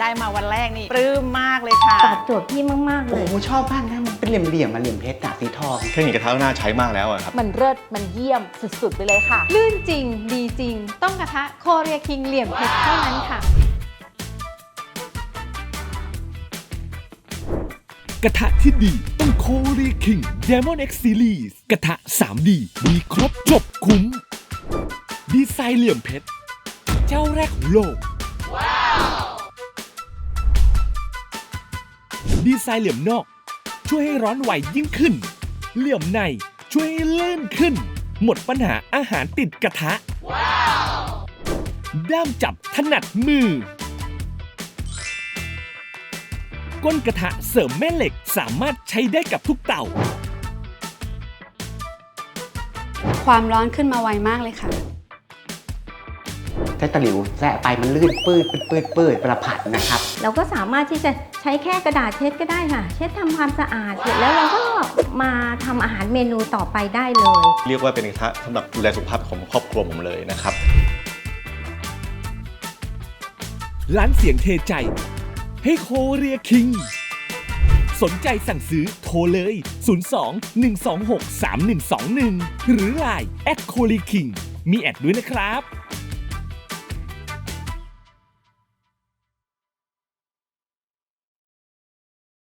ได้มาวันแรกนี่ปลื้มมากเลยค่ะตอบโจทย์พี่มากๆเลโอ้ยโหชอบมากนะมันเป็นเหลี่ยมๆมาเหลี่ยมเพชรสีทองเทคนิคกระทะน่าใช้มากแล้วอะครับมันเลิศมันเยี่ยมสุดๆไปเลยค่ะลื่นจริงดีจริง ต้องกระทะโคเรียคิงเหลี่ยมเพชรเท่านั้นค่ะกระทะที่ดีต้องโคเรียคิง Diamond X Series กระทะ 3D มีครบจบคุ้ม ดีไซน์เหลี่ยมเพชร เจ้าแรกของโลก ดีไซน์เหลี่ยมนอกช่วยให้ร้อนไหวยิ่งขึ้น เหลี่ยมในช่วยให้ลื่นขึ้น หมดปัญหาอาหารติดกระทะ ด้ามจับถนัดมือ ก้นกระทะเสริมแม่เหล็กสามารถใช้ได้กับทุกเตาความร้อนขึ้นมาไวมากเลยค่ะใช้ตะหลิวแซะไปมันลื่นปืดประผัดนะครับเราก็สามารถที่จะใช้แค่กระดาษเช็ดก็ได้ค่ะ เช็ดทำความสะอาดเสร็จแล้วเราก็มาทำอาหารเมนูต่อไปได้เลยเรียกว่าเป็นกระทะสำหรับดูแลสุขภาพของครอบครัวผมเลยนะครับร้านเสียงเทใจให้โคเรียคิง สนใจสั่งซื้อโทรเลย 02 126 3121 หรือ Line @โคเรียคิงมีแอดด้วยนะครับ